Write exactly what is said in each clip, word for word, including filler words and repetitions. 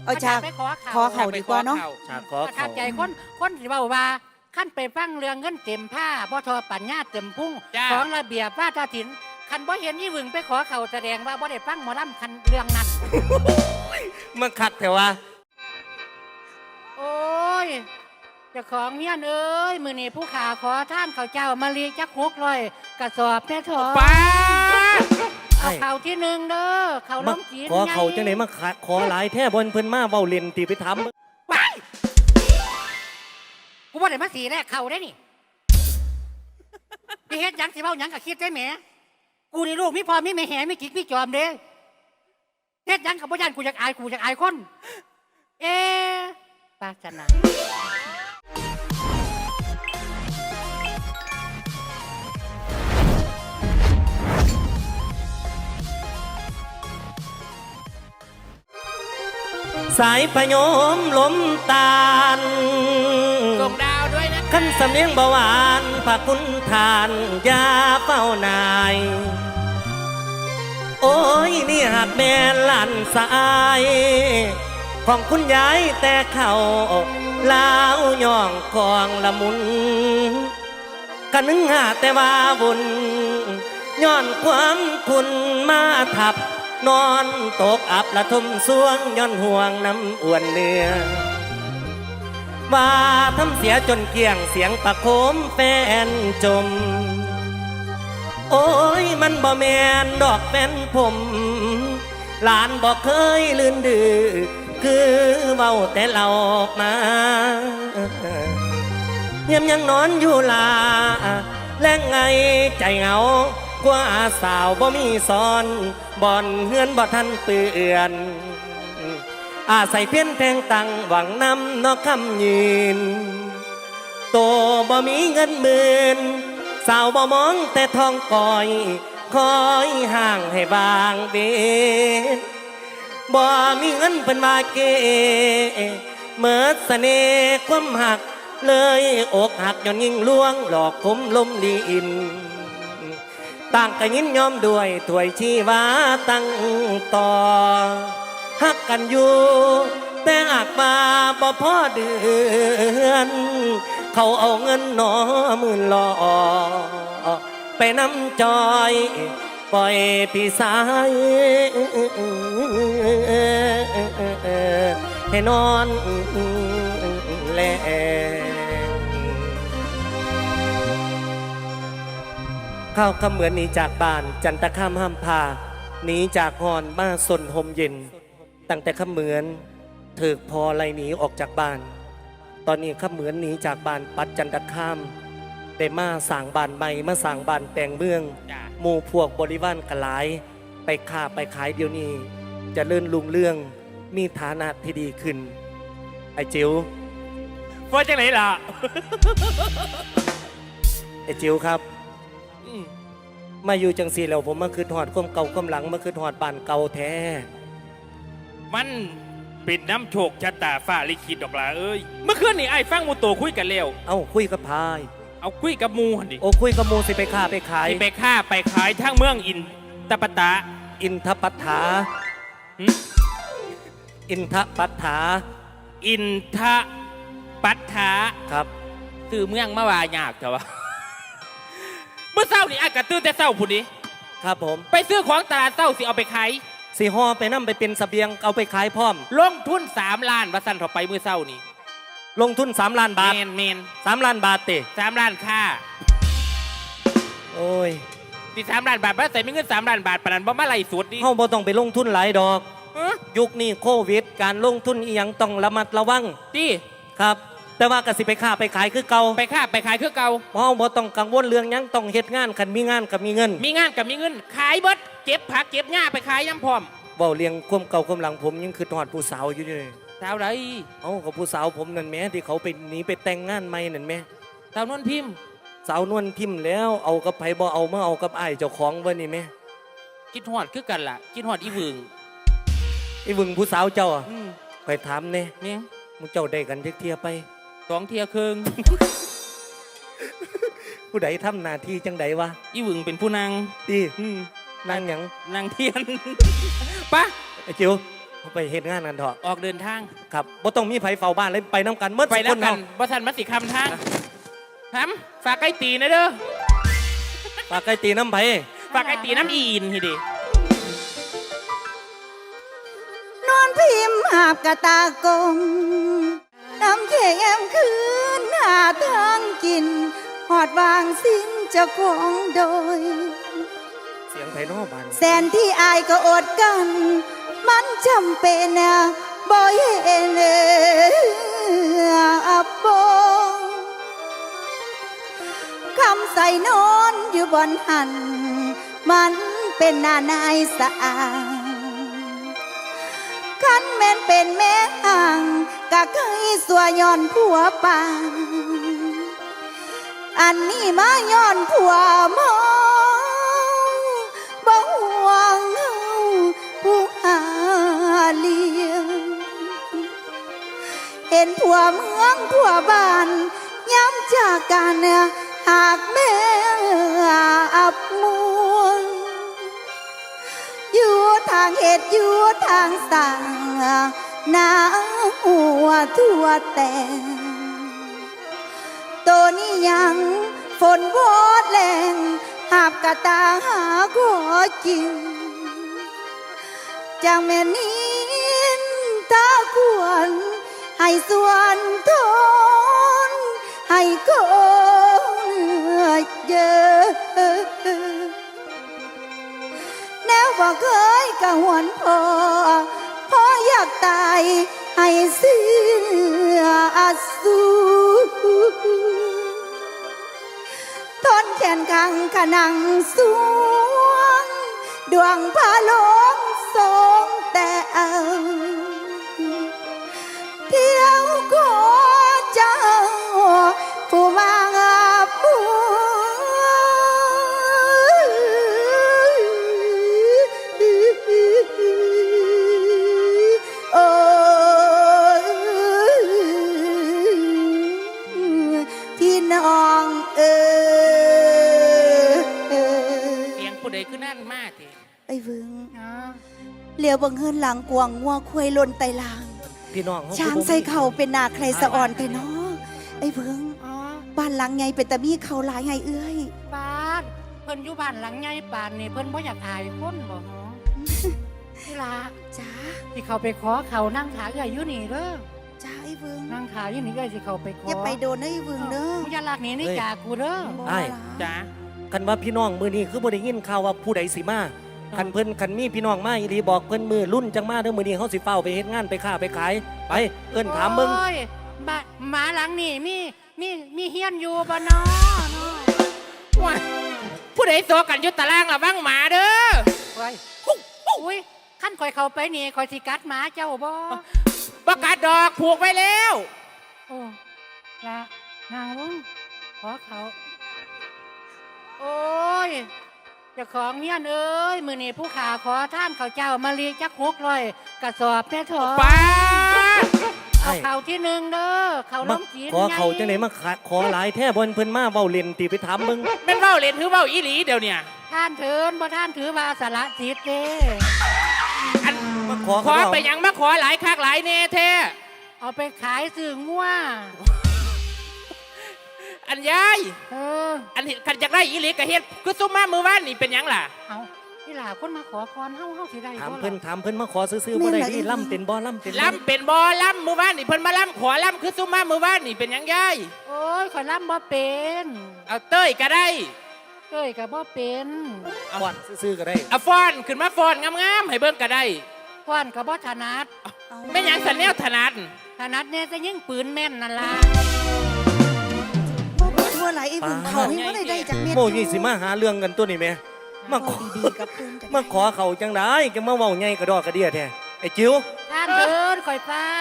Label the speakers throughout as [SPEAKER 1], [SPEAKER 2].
[SPEAKER 1] เอาฉากขอเขาดีกว่าเนาะ
[SPEAKER 2] ฉากขอ
[SPEAKER 3] ขั
[SPEAKER 2] เขา
[SPEAKER 3] ดใจคนคนสิเว้าว่าขั้นไปฟังเรื่องเงินเต็มผ้าบ่ทอปัญญาเต็มพุ่งของระเบียบว่าตาถินคันบ่เห็นยี่หวึงไปขอเขาแสดงว่าบ่ได้ฟังหมอลำคันเรื่องนั้น
[SPEAKER 2] มันคักแต่ว่า
[SPEAKER 3] โอ้ยเจ้าของเฮียนเอ้ยมื้อนี้ผู้ขาขอท่านข้าวเจ้ามาลีจักหกร้อยกระสอบแม่ถอ
[SPEAKER 2] ป้า
[SPEAKER 3] เอาข้าวที่หนึ่งเด้อข้าวล้มจีน
[SPEAKER 2] ขอเขาจังไหนมาขอหลายแท้บนเพิ่นมาเว้าเล่นตีไปทำ
[SPEAKER 3] ว้ายกูบ่ได้มาสีแรกข้าวได้นี่ไปเฮ็ดหยังสิเว้าหยังก็คิดได้แหมกูนี่ลูกมีพ่อมีแม่แห่มีกิ๊กมีจอมเด้เฮ็ดหยังกับบ่ย่านกูอยากอายกูอยากอายคนเอ๊ะปาจนา
[SPEAKER 2] สายพยมลมตาล
[SPEAKER 3] ส่งดาวด้วยนะ
[SPEAKER 2] ขั้นสำเนียงเบาหวานพระคุณทานยาเป้านายโอ้ยนี่หากแม่หลานสายของคุณยายแต่เขาลาวย่องกองละมุนกันนึงหาแต่ว่าบุญย้อนความคุณมาทับนอนตกอับละทมสวงย้อนห่วงน้ำอ้วนเนื้อว่าทำเสียจนเกี่ยงเสียงประโคมแฟนจมโอ้ยมันบ่แมนดอกแฟนผมหลานบอกเคยลื่นดื้อคือเบาแต่เราออกมาเยี่ยมยังนอนอยู่ลาแล้งไงใจเหงากว่าสาวบ่มีสอนบ่อนเฮือนบ่ทันเปื่อนอาศัยเพี้ยนแทงตังหวังนำนอกคำยืนโตบ่มีเงินหมื่นสาวบ่มองแต่ทองก่อยคอยห่างให้บางเบนบ่มีเงินเป็นมาเกเมื่อเสน่ห์ความหักเลยอกหักย้อนยิ่งลวงหลอกคมลมลีอินต่างกันยินยอมด้วยถวยชีวาตั้งต่อหักกันอยู่แต่หากมาบ่พอเดือนเขาเอาเงินหนอหมื่นหล่อไปน้ำจอยปล่อยพี่สายให้นอนแลข้าวคำเหมือนหนีจากบ้านจันตะข้ามห้ามพาหนีจากหอนมาสนห่มเย็นตั้งแต่ข้าเหมือนถือพอไล่หนีออกจากบ้านตอนนี้ข้าเหมือนหนีจากบ้านปัดจันตะข้ามได้มาสั่งบ้านใหม่มาสั่งบ้านแต่งเมืองหมู่พวกบริวารกหลายไปค้าไปขายเดี๋ยวนี้จะเลื่อนลุงเรื่องมีฐานะที่ดีขึ้นไอ้จิ๋วว่าจังไหนล่ะ ไอ้จิ๋วครับมาอยู่จังสีแล้วผมมาคือถอดก้มเก่าก้มหลังมาคือถอดบ้านเก่าแท้
[SPEAKER 4] มันเป็นน้ำโชคชะตาฟ้าลิขิตดอกล่ะเอ้ยเมื่อคืนนี่ไอ้ฟังมูโตคุยกันแล้ว
[SPEAKER 2] เอ้าคุยกับพาย
[SPEAKER 4] เอาคุยกับมูหันดิ
[SPEAKER 2] โอ้คุยกับมูสิไปค้าไปขาย
[SPEAKER 4] ไปค้าไปขายทั้งเมืองอินตปตะ
[SPEAKER 2] อินทปัฏฐาอินทปัฏฐา
[SPEAKER 4] อินทปัฏฐา
[SPEAKER 2] ครับ
[SPEAKER 4] คือเมืองมาวายากแต่ว่าเมื่อเช้านี่ไอ้กระตื้นแต่เช้าผู้นี้
[SPEAKER 2] ครับผม
[SPEAKER 4] ไปซื้อของตลาดเช้าสิเอาไปขาย
[SPEAKER 2] สีห่อไปนั่มไปเป็นเสบียงเอาไปขายพร้อม
[SPEAKER 4] ลงทุนสามล้านว่าสั่นเข้าไปเมื่อเช้านี่
[SPEAKER 2] ลงทุนสามล้านบาท
[SPEAKER 4] เมนเมน
[SPEAKER 2] สามล้านบาทติ
[SPEAKER 4] สามล้านค่า
[SPEAKER 2] โอ้ย
[SPEAKER 4] ติสามล้านบาทว่าใส่ไม่เงินสามล้านบาทปนันบ่มาไล่สุดนี่
[SPEAKER 2] เฮาบ่ต้องไปลงทุนหลายดอกยุคนี้โควิดการลงทุนอีหยังต้องระมัดระวัง
[SPEAKER 4] ติ
[SPEAKER 2] ครับแต่ว่าก็สิไปค้าไปขายคือเก่า
[SPEAKER 4] ไปค้าไปขายคือเก่า
[SPEAKER 2] เฮาบ่ต้องกังวลเรื่องหยังต้องเฮ็ดงานคันมีงานก็มีเงิน
[SPEAKER 4] มีงานก็มีเงินขายเบิดเก็บผักเก็บหญ้าไปขายยำพร้อม
[SPEAKER 2] เว้าเลี้ยงความเก่าความหลังผมยังคือทอดผู้สาวอยู่เลย
[SPEAKER 4] สาวไร
[SPEAKER 2] เอ้ากับผู้สาวผมนั่นแม่ที่เขาไปหนีไปแต่งงานใหม่นั่นแม่
[SPEAKER 4] สาวนวลพิมพ์
[SPEAKER 2] สาวนวลพิมพ์แล้วเอากับไผบ่เอามาเอากับอ้ายเจ้าของเว้นี่แม่
[SPEAKER 4] คิดฮอดคือกันล่ะคิดฮอดอีวึง
[SPEAKER 2] อีวึงผู้สาวเจ้าอ่ะไปถามแน่
[SPEAKER 4] แม่
[SPEAKER 2] มึงเจ้าได้กันจักเที่ยไป
[SPEAKER 4] สองเที่ยครึ่ง
[SPEAKER 2] ผู้ใดทำหน้าที่จังใดวะ
[SPEAKER 4] อีวึงเป็นผู้นาง
[SPEAKER 2] ดีนางหยัง
[SPEAKER 4] นางเทียนปะ
[SPEAKER 2] ไอ้จิ๋วไปเฮ็ดงานกันเถอะ
[SPEAKER 4] ออกเดินทาง
[SPEAKER 2] ครับบ่ต้องมีไผเฝ้าบ้านเลยไปน้ำกันเมื่อ
[SPEAKER 4] ไป
[SPEAKER 2] สุ
[SPEAKER 4] แล้ว
[SPEAKER 2] คน
[SPEAKER 4] กั
[SPEAKER 2] เฮาน
[SPEAKER 4] บ่ทันมาสิคำทางฮัมฝากไก่ตีนะเด้อ
[SPEAKER 2] ปากไก่ตีน้ำไผ
[SPEAKER 4] ฝากไก่ตีน้ำอีอินทีดิ
[SPEAKER 1] นอนพิมพ์หาบกะตากงน้ำเข็มคืนหาทางกินหอดวางสิ้นเจ้าของโดย
[SPEAKER 2] เสียงไผน้อบ้าน
[SPEAKER 1] แสนที่อายก็อดกัน มันจำเป็นนะบ่เห็นอับบ่คำใส่นอนอยู่บนหัน มันเป็นหน้านายสะอาดคันแม่นเป็นแม่ห่างกะเคยสัวย้อนผัวปางอันนี้มาย้อนผัวมองบ่ห่วงเฮาผู้หาเลี้ยงเห็นผัวเมืองผัวบ้านย้ำจากกันหากแม่อับมัวอยู่ทางเหตุอยู่ทางสั่งหน้าหัวทั่วแต่ตัวนี้ยังฝนวอดแรงหาบกะตาหาขอจริงจังแม่นินตาควรให้ส่วนทนให้คนเยอะแนวบ่เคยกะหวนพอพออยากตายให้เสียสูทนแขนขังขนังสวงดวงพาลงทรงแต่เอาเที่ยวขอเจ้าผู้มาผู้ โอ้พี่น้องเออ
[SPEAKER 4] เสียงผู้ใดคือนั่นมากที
[SPEAKER 1] ไอ้เวิงเหลียวบังเฮินหลังกวางงัวควายลนไตลาง
[SPEAKER 2] พี่น้องเฮ
[SPEAKER 1] ช้างใส่เข่าเป็นนาใครสะอ่อนแต่น้อไอ้เวิง
[SPEAKER 3] อ๋อ
[SPEAKER 1] บ้านหลังไงเป็นตะมีเขาหลายไงเอ้ย
[SPEAKER 3] ปาดเพิ่นอยู่บ้านหลังใหญ่ปานนี่เพิ่นบ่อยากอายคนบ่หรอนี่ล่ะ
[SPEAKER 1] จ้า
[SPEAKER 3] ที่เขาไปขอเขานั่งขาเอื้อยอยู่นี่เด้อ
[SPEAKER 1] จ้าไอ้เวิง
[SPEAKER 3] นั่งขาอยู่นี่เอื้อยสิเขาไปขอ
[SPEAKER 1] อย่าไปโดนนะไอ้เวิงเด้อ
[SPEAKER 3] มึงอย่าลากหนีนี่จากกูเด้อ
[SPEAKER 1] บ่
[SPEAKER 2] อ้าย
[SPEAKER 1] ล่ะ
[SPEAKER 4] จ้า
[SPEAKER 2] คันว่าพี่น้องมือนี้คือบ่ได้ยินข่าวว่าผู้ใดสิมาคันเพิ่นคันมีพี่น้องมาอีหลีบอกเพิ่นมือรุ่นจังมาเด้อมื้อนี้เฮาสิเฝ้าไปเฮ็ดงานไปค้าไปขายไปเอิ้นถามเบิ่ง
[SPEAKER 3] โอ้ยบ้านหมาหลังนี่มีมีมีเฮียนอยู่บ่น้อเนาะ
[SPEAKER 4] ว้ายผู้ใดโซกันอยุตตารางระวังหมาเด้อ
[SPEAKER 3] เฮ้ยอุ้ยขั้นข่อยเข้าไปนี่ข่อยสิกัดหมาเจ้าบ่
[SPEAKER 4] ประกาศดอกผูกไว้แล้ว
[SPEAKER 3] โอ้ละนางลุงขอเขา โอ้ยเจ้าของเฮียนเอ้ยมื้อนี้ผู้ขาขอท่านเขาวเจ้ามาลีจักหกร้อยกระสอบแม่ถอ
[SPEAKER 4] ป้าด
[SPEAKER 3] เอาเขาวที่หนึ่งเด้อเขาว
[SPEAKER 2] มา
[SPEAKER 3] ล้มจีน
[SPEAKER 2] ขอเขาจังได๋มาขอหลายแท้บ่เพิ่นมาเว้าเล่นติไปถามเบิ่ง
[SPEAKER 4] แม่นเว้าเล่นถือเว้าอีหลีเดี๋ยวเนี่ย
[SPEAKER 3] ท่านเถินบ่ท่านถือว่าสละสิทธิ์เด้
[SPEAKER 4] อัน
[SPEAKER 2] มาขอ
[SPEAKER 4] ขอ
[SPEAKER 2] เขา
[SPEAKER 4] ไปหยังมาขอหลายคักหลายแน่แท้
[SPEAKER 3] เอาไปขายสื่องัว
[SPEAKER 4] อันยาย
[SPEAKER 3] เออ
[SPEAKER 4] อันนี้ขันจากได้อีหลีกะเฮ็ดคือซุมมามือว่านนี่เป็นหยังล่ะ
[SPEAKER 3] เอาที่หลาคนมาขอพรเฮาเฮาสิได้
[SPEAKER 2] ถาม
[SPEAKER 3] บ่
[SPEAKER 2] เพิ่น
[SPEAKER 3] ล่ะ
[SPEAKER 2] ถามเพิ่นมาขอซื้อๆบ่ได้นี่ล่ำเป็นบ่ล่ำเป็นบ่
[SPEAKER 4] ล่ำเป็นบอล่ำมือว่านนี่เพิ่นมาล่ำขอล่ำคือซุมมามือว่านนี่เป็นหยังยาย
[SPEAKER 3] โอ้ยข่อยล่ำบ่เป็น
[SPEAKER 4] เอาเต้ยก็ได้
[SPEAKER 3] เอ้ยก็บ่เป็น
[SPEAKER 2] ก่อนซื้อๆก็ได้
[SPEAKER 4] เอาฟอนขึ้นมาฟอนงามๆให้เบิ่งก็ได้
[SPEAKER 3] พรก็บ่ถนัด
[SPEAKER 4] แม่นหยังสันแนวถนัด
[SPEAKER 3] ถนัดแน่จะยิงปืนแม่นนั่นล่ะ
[SPEAKER 1] บ่บ่ทั่วไหลไอ้เวิงเขาให้บ่ได้ได้จากเม็ด
[SPEAKER 2] โมยี่สิมาหาเรื่องกันตัวนี้แม่มาขอ
[SPEAKER 1] ดีๆกับเพิ่นจัง
[SPEAKER 2] มาขอเขาจังได๋จะมาเว้าใหญ่กระดอกกระเดียแท้ไอ้จิ๋ว
[SPEAKER 3] ท่านเถินข่อยเฝ้า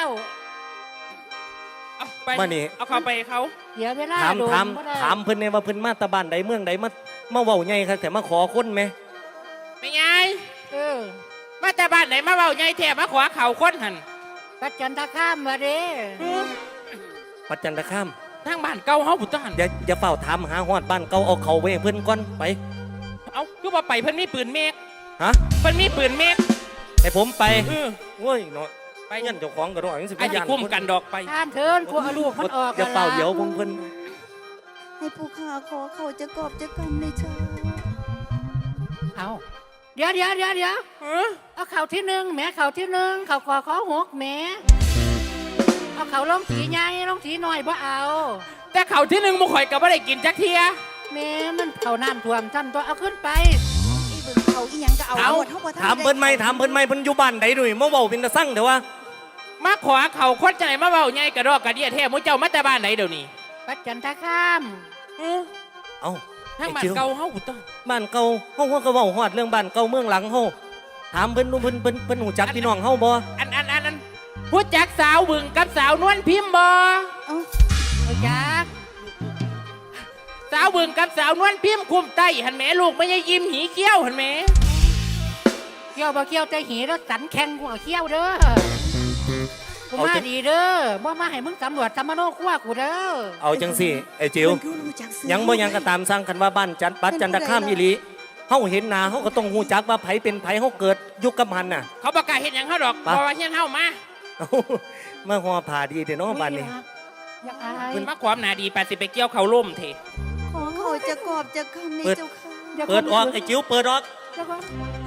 [SPEAKER 4] เอาไป
[SPEAKER 2] มานี่
[SPEAKER 4] เอาเข้าไปเขา
[SPEAKER 3] เดี๋ยวเวลา
[SPEAKER 2] ถาม
[SPEAKER 3] โดน
[SPEAKER 2] ถาม
[SPEAKER 3] บ่ได้
[SPEAKER 2] ถามเพิ่นแน่ว่าเพิ่นมาแตะบ้านใดเมืองใดมามาเว้าใหญ่ครับแต่มาขอคนแม่
[SPEAKER 4] ไม่ไง
[SPEAKER 3] เออ
[SPEAKER 4] มาแต่บ้านไหนมาเว้าใหญ่แท้มาขอเข่าคนหัน
[SPEAKER 3] ปัจจันทข้ามมาเด้
[SPEAKER 2] ปัจจันตคาม
[SPEAKER 4] ทางบ้านเก่าเฮาพุทธหัน
[SPEAKER 2] อย่าอย่าเฝ้าถามหาฮอดบ้านเก่าเอาเขาไว้ให้เพิ่นก่อนไป
[SPEAKER 4] เอาคือว่าไปเพิ่นมีปืนเมก
[SPEAKER 2] ฮะ
[SPEAKER 4] เพิ่นมีปืนเมก
[SPEAKER 2] ไปให้ผมไป
[SPEAKER 4] เออ
[SPEAKER 2] โอ้ยเนาะ
[SPEAKER 4] ไป
[SPEAKER 2] ไปยันเจ้าของกระดอกยังสิ
[SPEAKER 4] ไอ้ที่คุ้มกันดอกไป
[SPEAKER 3] ท่านเถินพวกเอาลูกมันออก
[SPEAKER 2] อย่าเป่าเดี๋ยวพงเพิ่น
[SPEAKER 1] ให้ผู้ข้าขอเขาจะกอบจะกำในเจ้า
[SPEAKER 3] เอาเดี๋ยวเดี๋ยวเดี๋ยวเดี๋ยว
[SPEAKER 4] เออ
[SPEAKER 3] เอาเข่าที่หนึ่งแหม่เข่าที่หนึ่งเข่าคอขอหกแหม่เอาเข่าลงถีใหญ่ลงถีน้อยบ่เอา
[SPEAKER 4] แต่เขาที่หนึ่งมุข่อยก็ไม่ได้กินจักเทีย
[SPEAKER 3] แหม่มันเข่าน้ำท่วมท่านตัวเอาขึ้นไป
[SPEAKER 1] อีเบิ่งเขาอีหยังก็เอา
[SPEAKER 2] เอา
[SPEAKER 1] หมดเท่าบ่ทัน
[SPEAKER 2] ถามเพิ่นไหมถามเพิ่นไหมเพิ่นอยู่บ้านใดด้วยมาเว้าเป็นตาสั่งเดี๋ยวว่า
[SPEAKER 4] มาขวาเขาคนใจมาเบาใหญ่กระดอกกระเดียแท้มุเจ้ามาแต่บ้านไหนเดี๋ยวนี้
[SPEAKER 3] ปัจจันทข้าม
[SPEAKER 4] เออ
[SPEAKER 2] เอ้า
[SPEAKER 4] ทั้งบ้าน
[SPEAKER 2] ไอ้จิ๋ว
[SPEAKER 4] เก่าเฮาต้อ
[SPEAKER 2] บ้านเก่าเฮาเฮาก็เว้าฮอดเรื่องบ้านเก่าเมืองหลังเฮาถามเพิ่นดูเพิ่นเพิ่นเพิ่นหูจักพี่น้องเฮาบ่
[SPEAKER 4] อันอันอันอันผู้จักสาวบึงกับสาวนวลพิมพ์บ่
[SPEAKER 1] เอ้า
[SPEAKER 3] เอาจัก
[SPEAKER 4] สาวบึงกับสาวนวลพิมพ์คุมไตหันแหม่ลูกไม่ใช่ยิ้มหีเกี้ยวหันแหม่
[SPEAKER 3] เขี้ยวบ่เขี้ยวใจหีแล้วสันแข็งกูก็เขี้ยวเด้อกูมาดีเด้อบ่มาให้มึงสำรวจสำมโนครัวกูเด้อ
[SPEAKER 2] เอาจังสิไอ้จิ๋ว
[SPEAKER 1] เพิ่นคือรู้จักซื้อ
[SPEAKER 2] ยังบ่ยังก็ตามสั่งคันว่าบ้านจันปัดจันทคามอีหลีเฮาเห็นหน้าเฮาก็ต้องฮู้จักว่าไผเป็นไผเฮาเกิดยุคกับมันน่ะ
[SPEAKER 4] เขาประกาศเห็นอย่างเขาดอก
[SPEAKER 2] ปะ
[SPEAKER 4] เพราะว่าเฮียนเฮามา
[SPEAKER 2] เอ้ามาฮอผ่าดีเด้อเนาะบ้านนี้
[SPEAKER 3] อยากอาย
[SPEAKER 4] เพิ่นมาความหนาดีแปดสิบไปเกี่ยวเขาล่มเถ
[SPEAKER 1] ขอเขาจะกอบจะกำในเจ้าค่ะ
[SPEAKER 3] ดี๋ยว
[SPEAKER 2] เปิดออกไอ้จิ๋วเปิดออก
[SPEAKER 3] เดี๋ยวก่อน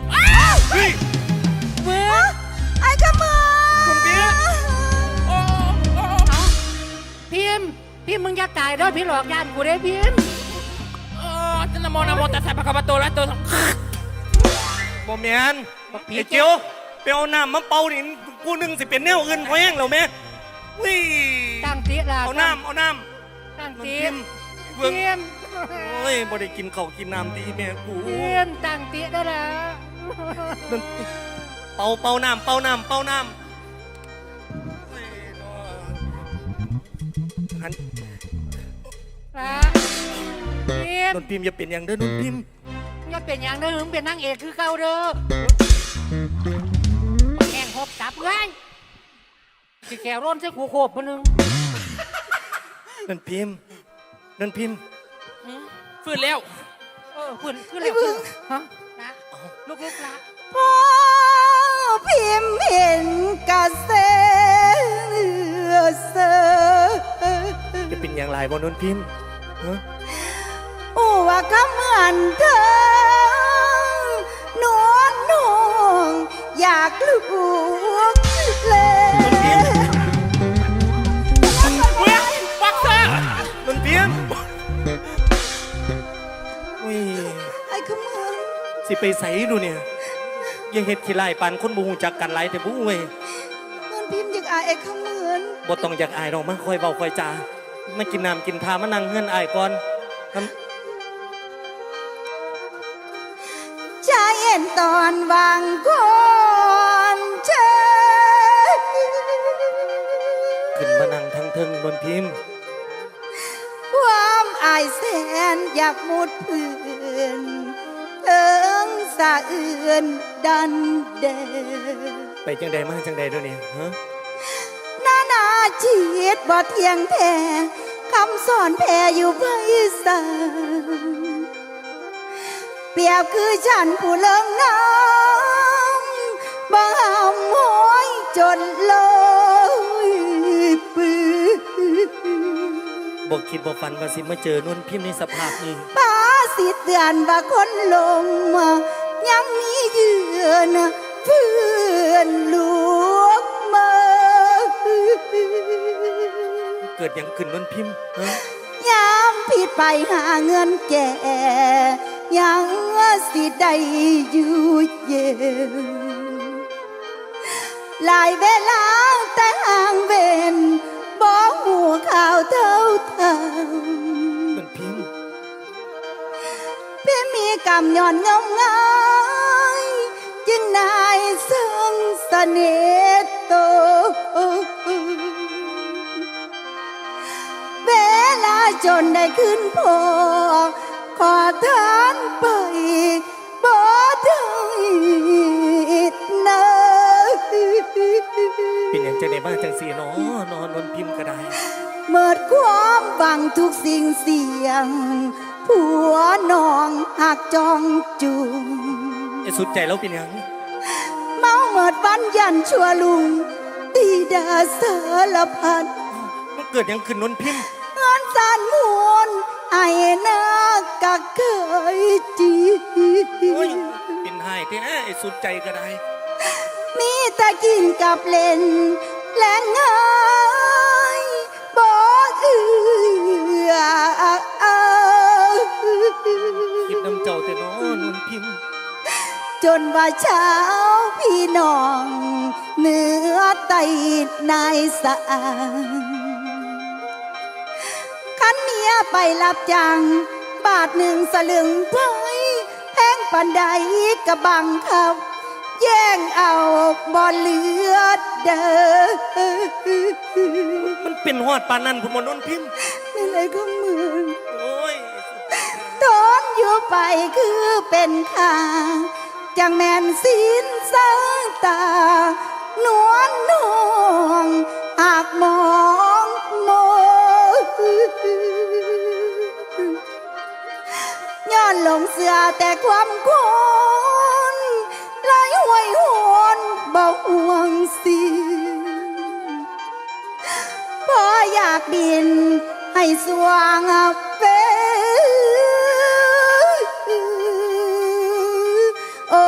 [SPEAKER 1] เมื่อไอ้ขโมย
[SPEAKER 4] คุณเบียร์ โอ้โอ้
[SPEAKER 3] เอาพิมพ์พิมพ์มึงอย่าตายเด้อพี่หลอกยานกูเด้อพิมพ์
[SPEAKER 4] โอ้จันนโมนะโมตัสสะภะคะวะโตอะระหะโต
[SPEAKER 2] บ่แม่นไอ้จิ๋วไปเอาน้ำมาเป่านี่กูนึงสิเป็นแนวอื่นพอแห้งแล้วแม่วิ
[SPEAKER 3] ตั้งติละ
[SPEAKER 2] เอาน้ำเอาน้
[SPEAKER 3] ตั้ง
[SPEAKER 2] ำมัน
[SPEAKER 3] ติ
[SPEAKER 2] พิมพ์เบิ่ง
[SPEAKER 3] พิมพ์
[SPEAKER 2] โอ้ยบ่ได้กินข้าวกินน้ำดีแม่กู
[SPEAKER 3] พิมพ์ตั้งติได้แล้ว
[SPEAKER 2] เป่าเป่าน้ำเป่าน้ำเป่าน้ำโอ้ยเนาะหัน
[SPEAKER 3] ละพิม
[SPEAKER 2] น
[SPEAKER 3] พ์
[SPEAKER 2] นพิมพ์อย่าเป็นอย่างเด้อนนพิมพ์
[SPEAKER 3] อย่าเป็นอย่างเด้อมึงเป็นนางเอกคือเก่าเด้อแข่งหกจับไงสิแขวร่นใส่ขู่โคบคนนึง
[SPEAKER 2] นนพิมพ์นนพิมพ์
[SPEAKER 4] ฟื้นแล้ว
[SPEAKER 3] เออขึ้นขึ้นแล้วขึ้นฮะนะลูกๆละ
[SPEAKER 1] พ่อพิมพ์เห็นกระเสือเสือ
[SPEAKER 2] จะเป็นอย่างไรบ่นนพิมพ์ฮะ
[SPEAKER 1] อูว่าคำเหมือนเธอหนวลนงอยากลูกเลย
[SPEAKER 4] เวียบักเซอร์
[SPEAKER 2] นนพิมพ์อุ้ย
[SPEAKER 1] ไอ้ขมือน
[SPEAKER 2] สิไปใส่ดูเนี่ยยังเฮ็ดขี้ไล่ปานคนบ่ฮู้จักกันหลายแต่บ่เว้ย
[SPEAKER 1] นนพิมพ์อยากอายไอ้ขมือน
[SPEAKER 2] บ่ต้องอยากอายดอกมาคอยเว้าคอยจามากินน้ำกินทามานั่งเฮือนอายก่อนทำ
[SPEAKER 1] ชายเอ็นตอนวางคนเชย
[SPEAKER 2] ขึ้นมานั่งทั้งเทิงนนพิมพ์
[SPEAKER 1] ความอายแสนอยากมุดพื้นเอิงสะเอื่นดันเด
[SPEAKER 2] ไปจังใดมาจังใดเดี๋ยวนี้ฮะ
[SPEAKER 1] นานาชีวิตบ่เที่ยงแท้คำสอนแพ่อยู่ไพศาลเปรียบคือฉันผู้เลิงน้ำบ่หำห้อยจนลอยปืน
[SPEAKER 2] บ่คิดบ่ฝันว่าสิมาเจอนนพิมพ์ในสภาพนี้
[SPEAKER 1] ป้าสิเตือนว่าคนลงมายังมีเยือนเพื่อนลูกมา
[SPEAKER 2] เกิดหยังขึ้นนนพิมพ์ฮะ
[SPEAKER 1] ยามผิดไปหาเงินแก่ยังสิได้อยู่เย็นหลายเวลาแต่ห่างเวนบ่หูข่าวเท่าทาง
[SPEAKER 2] นนพิมพ์
[SPEAKER 1] พี่มีกรรมย้อนเงางายจึงนายซึ่งเสน่ห์โตเวลาจนได้ขึ้นพอขอทานไปบ่ได้นะ
[SPEAKER 2] เป็นหยังจังไดมาจังสี่เนาะนอนนนพิมพ์ก็ได้
[SPEAKER 1] เมิดความหวังทุกสิ่งเสียงผัวน้องหักจองจุง
[SPEAKER 2] ไอ้สุดใจแล้วเป็นหยัง
[SPEAKER 1] เมาเมิดดวันยันชั่วลุงตีดาสารพัด
[SPEAKER 2] มันเกิดหยังขึ้นนนพิมพ์
[SPEAKER 1] งานสานมวนไอ้นากักเคยจี
[SPEAKER 2] โอ้ยเป็นไห้แท้ไอ้สุดใจก็ได้
[SPEAKER 1] มีแต่กินกับเล่นและง่ายบ่เอือ
[SPEAKER 2] คิดน้ำเจ้าแต่น้อนนพิมพ์
[SPEAKER 1] จนว่าเช้าพี่น้องเหนือไตนายสะอางขันเมียไปรับจ้างบาทหนึ่งสลึงไพแพงปันใดกระบังคับแย่งเอาบ่เหลือเด้อ
[SPEAKER 2] มันเป็นหอดปานนั้นผมว่านนพิมพ์
[SPEAKER 1] ไม่เลยก็เหมือน
[SPEAKER 2] โอ้ย
[SPEAKER 1] ทนอยู่ไปคือเป็นข้าจังแม่นสินสางตานวลนวงหากมองมองย้อนหลงเสือแต่ความคนไหลห้วยหวนบ่ห่วงสิพออยากบินให้สว่างเป็นโอ้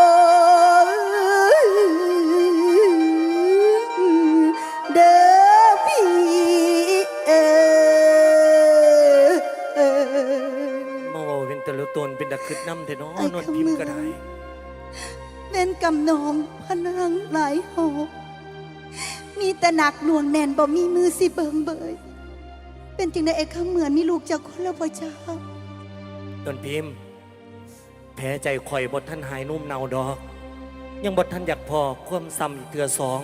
[SPEAKER 1] เด้อพี่เออ
[SPEAKER 2] มาเว้าเป็นแต่ละตนเป็นตะคึดน้ำแต่น้อนนพิมพ์ก็ได้
[SPEAKER 1] เล่นกำนองพนังหลายหอบมีแต่หนักหน่วงแน่นบ่มีมือสิเบิงเบยเป็นจริงในเอกเหมือนมีลูกจากคนละพ่อเจ้าน
[SPEAKER 2] นพิมพ์แพ้ใจข่อยบทท่านหายนุ่มเนาดอก ยังบทท่านอยากพอความซ้ำอีกเถื่อสอง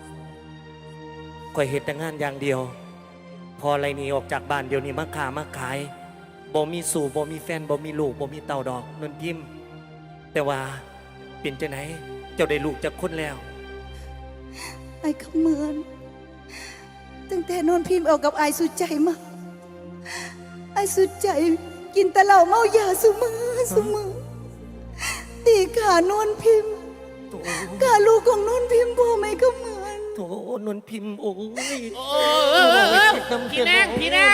[SPEAKER 2] ข่อยเหตุแต่งานอย่างเดียว พออะไรหนี้ออกจากบ้านเดี๋ยวนี้มาขามาขายบ่มีสู่บ่มีแฟนบ่มีลูกบ่มีเต่าดอกนนพิมพ์แต่ว่าเป็นจังไหนเจ้าได้ลูกจากคนแล้ว
[SPEAKER 1] ไอ้เขาเหมือนตั้งแต่นนพิมพ์เอากับไอ้สุดใจมาไอ้สุดใจกินแต่เหล้าเมายาสุมือสุมือตีขานนพิมพ์
[SPEAKER 2] โถ
[SPEAKER 1] ขาลูกของนนพิมพ์พ่อไม่ก็เหมือน
[SPEAKER 2] โถนนพิมพ์โอ้ย
[SPEAKER 4] โอ้เออเออเออพี่นางพี่นาง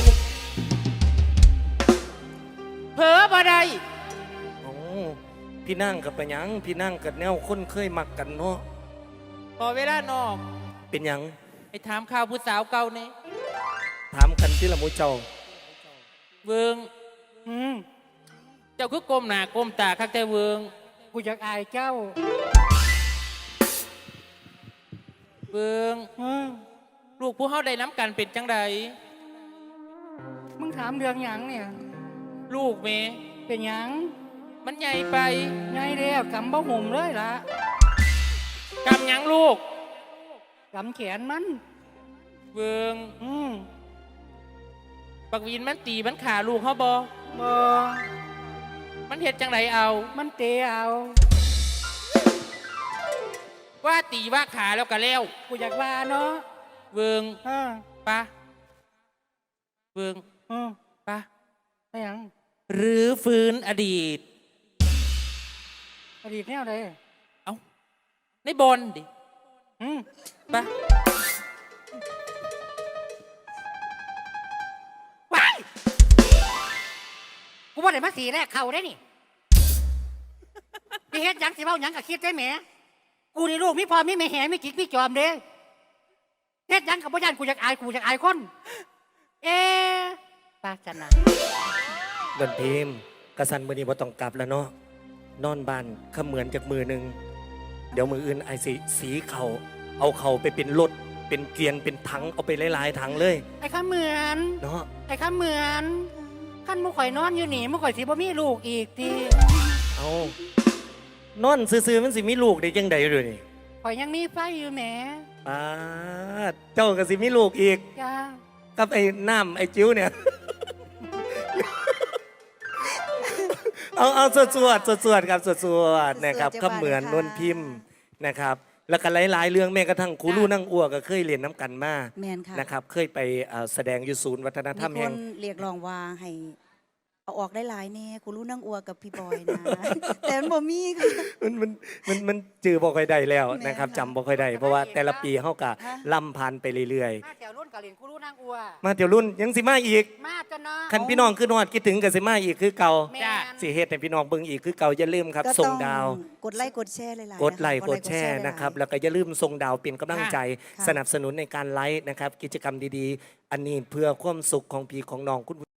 [SPEAKER 4] เผลอบ่ได้
[SPEAKER 2] โอ้พี่นั่งกับไปหยังพี่นั่งกับแนวคนเคยมักกันเนาะ
[SPEAKER 4] พอเวลานอก
[SPEAKER 2] เป็นหยัง
[SPEAKER 4] ไปถามข่าวผู้สาวเก่าเนี่ย
[SPEAKER 2] ถามกันที่ละหมูเจ้า
[SPEAKER 4] เวิง
[SPEAKER 3] อืม
[SPEAKER 4] เจ้าคือกลมหน้ากลมตาคักแต่เวิง
[SPEAKER 3] กูอยากอายเจ้า
[SPEAKER 4] เวิง
[SPEAKER 3] อืม
[SPEAKER 4] ลูกผู้เฮาได้น้ำกันเป็นจังใด
[SPEAKER 3] มึงถามเรื่องหยังเนี่ย
[SPEAKER 4] ลูกเม
[SPEAKER 3] เป็นหยัง
[SPEAKER 4] มันใหญ่ไป
[SPEAKER 3] ไงเดียวกำบ่ห่มเลยล่ะ
[SPEAKER 4] กำหยังลูก
[SPEAKER 3] กำแขนมัน
[SPEAKER 4] เวิง
[SPEAKER 3] อืม
[SPEAKER 4] ปักวินมันตีมันขาลูกเฮาบ่
[SPEAKER 3] บ่
[SPEAKER 4] มันเฮ็ดจังใดเอา
[SPEAKER 3] มันเตะเอา
[SPEAKER 4] ว่าตีว่าขาแล้วก็แล้ว
[SPEAKER 3] กูอยากว่าเนาะ
[SPEAKER 4] เวิง
[SPEAKER 3] เออ
[SPEAKER 4] ปะเวิง
[SPEAKER 3] เออ
[SPEAKER 4] ปะ
[SPEAKER 3] ไปหยัง
[SPEAKER 4] หรือฟื้นอดีต
[SPEAKER 3] อดีตแนวใด
[SPEAKER 4] เอ้าในบนดิ
[SPEAKER 3] อืม
[SPEAKER 4] ปะว้าย
[SPEAKER 3] กูว่าได้มาสีแรกเข้าได้นี่พี่เฮ็ดหยังสิเว้าหยังก็คิดได้แหมกูนี่ลูกมีพ่อมีแม่แหมีกิ๊กมีจอมเด้เฮ็ดหยังกับบ่ย่านกูอยากอายกูอยากอายคน เอ๊ะปาชนะ
[SPEAKER 2] เดินพิมพ์กระสันมือนี้ว่าต้องกลับแล้วเนาะนอนบ้านขเหมือนจากมือหนึ่งเดี๋ยวมืออื่นไอ้สีสีเขาเอาเขาไปเป็นรถเป็นเกวียนเป็นถังเอาไปหลายๆถังเลย
[SPEAKER 3] ไอ้ข้าเหมือน
[SPEAKER 2] เนาะ
[SPEAKER 3] ไอ้ข้าเหมือนขั้นมุข่อยนอนอยู่นี่มุข่อยสิบ่มีลูกอีกที
[SPEAKER 2] เอานอนซื่อๆมันสิมีลูกได้ยังไงเลยนี่
[SPEAKER 3] ข่อยยังมีไฟอยู่แหม
[SPEAKER 2] ป้าดเจ้าก็สิมีลูกอีก
[SPEAKER 3] จ้า
[SPEAKER 2] กับไอ้น้ำไอ้จิ้วเนี่ย เอาเอาสวดสวดสวดสวดครับสวดสวดนะครับก็เหมือนนวลพิมพ์นะครับ แล้วก็หลายๆเรื่องแม้กระทั่งครูลู่นั่งอ้วกก็เคยเรียนน้ำกันมา
[SPEAKER 1] แมนค่ะ
[SPEAKER 2] นะครับ เคยไปเอ่อแสดงอยู่ศูนย์วัฒนธรรม
[SPEAKER 1] มี
[SPEAKER 2] แห่
[SPEAKER 1] ค
[SPEAKER 2] ง
[SPEAKER 1] นเรียกร้องว่าให้เอาออกได้หลายแน่กูรู้นั่งอัวกับพี่บอยนะ แต่มันบ่มีค่ะ
[SPEAKER 2] มันมันมันมันจือบ่ค่อยได้แล้ว
[SPEAKER 1] แม่น
[SPEAKER 2] นะครับ
[SPEAKER 1] ค่ะ
[SPEAKER 2] จำบ่ค่อยได้เพราะว่าแต่ละปีเฮากะ
[SPEAKER 1] ฮะ
[SPEAKER 2] ล่ำผ่านไปเรื่อย
[SPEAKER 3] มาแถวรุ่นกะเหรียญกูรู้นางอัว
[SPEAKER 2] ๆ มาเดี๋ยวรุ่นยังสิมาอีก
[SPEAKER 3] มาจนเนาะ
[SPEAKER 2] คันพี่น้องขึ้นฮอดคิดถึงก็สิมาอีกคือเก่า
[SPEAKER 3] แม่
[SPEAKER 4] จ้ะ
[SPEAKER 3] น
[SPEAKER 2] สิเฮ็ดให้พี่น้องเบิ่งอีกคือเก่าอย่าลืมครับ
[SPEAKER 1] ก็
[SPEAKER 2] ส่
[SPEAKER 1] ต้
[SPEAKER 2] ง
[SPEAKER 1] อง
[SPEAKER 2] ดาว
[SPEAKER 1] กดไลค์กดแชร์หลายๆ
[SPEAKER 2] กดไลค์
[SPEAKER 1] นะะ
[SPEAKER 2] กดแชร์
[SPEAKER 1] หลายๆ
[SPEAKER 2] นะครับ แล้วก็อย่าลืมส่งดาวเป็นกำลังใจ
[SPEAKER 1] ค่ะ
[SPEAKER 2] สนับสนุนในการไลฟ์นะครับ กิจกรรมดีๆ อันนี้เพื่อความสุขของพี่ของน้องคุณ